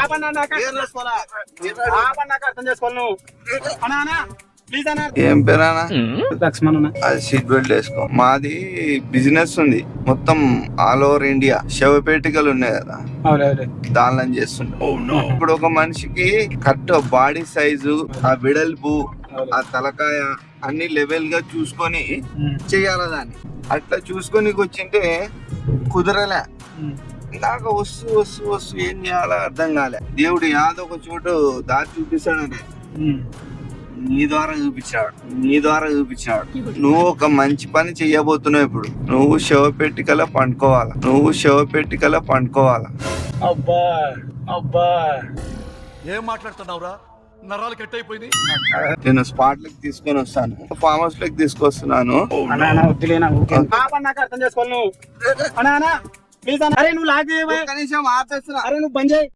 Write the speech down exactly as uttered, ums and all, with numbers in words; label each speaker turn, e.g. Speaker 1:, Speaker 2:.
Speaker 1: అర్థం చేసుకోవాలి నువ్వు అన్నా ప్లీజ్ అన్నా.
Speaker 2: ఏం పేరానా?
Speaker 1: లక్ష్మణ్.
Speaker 2: అది సీట్ బెల్ట్ వేసుకో. మాది బిజినెస్ ఉంది మొత్తం ఆల్ ఓవర్ ఇండియా. శవపేటికలు ఉన్నాయి కదా, దానిలో చేస్తుంటాం. ఇప్పుడు ఒక మనిషికి కరెక్ట్ బాడీ సైజు, ఆ వెడల్పు, ఆ తలకాయ అన్ని లెవెల్ గా చూసుకొని చెయ్యాల దాన్ని. అట్లా చూసుకొని వచ్చింటే కుదరలే. నాకు వస్తూ వస్తూ వస్తూ ఏం చేయాలో అర్థం కాలే. దేవుడు యాదో ఒక చోటు దారి చూపిస్తాడనే నీ ద్వారా చూపించాడు నీ ద్వారా చూపించాడు నువ్వు ఒక మంచి పని చెయ్యబోతున్నావు. ఇప్పుడు నువ్వు శవపెట్టికలా పండుకోవాలా నువ్వు శవపెట్టికలా పండుకోవాలా
Speaker 1: అబ్బా అబ్బా
Speaker 3: ఏం మాట్లాడుతున్నావురా? నరాలు కట్ అయిపోయింది.
Speaker 2: నేను స్పాట్ లకి తీసుకొని వస్తాను, ఫామ్ హౌస్ లకి తీసుకొస్తున్నాను.
Speaker 1: అర్థం చేసుకోవాలి నువ్వు అన్నా ప్లీజ్ అన్న. అరే నువ్వు లాగ్
Speaker 2: కనీసం ఆపేస్తున్నా.
Speaker 1: అరే నువ్వు బంద్ చేయి.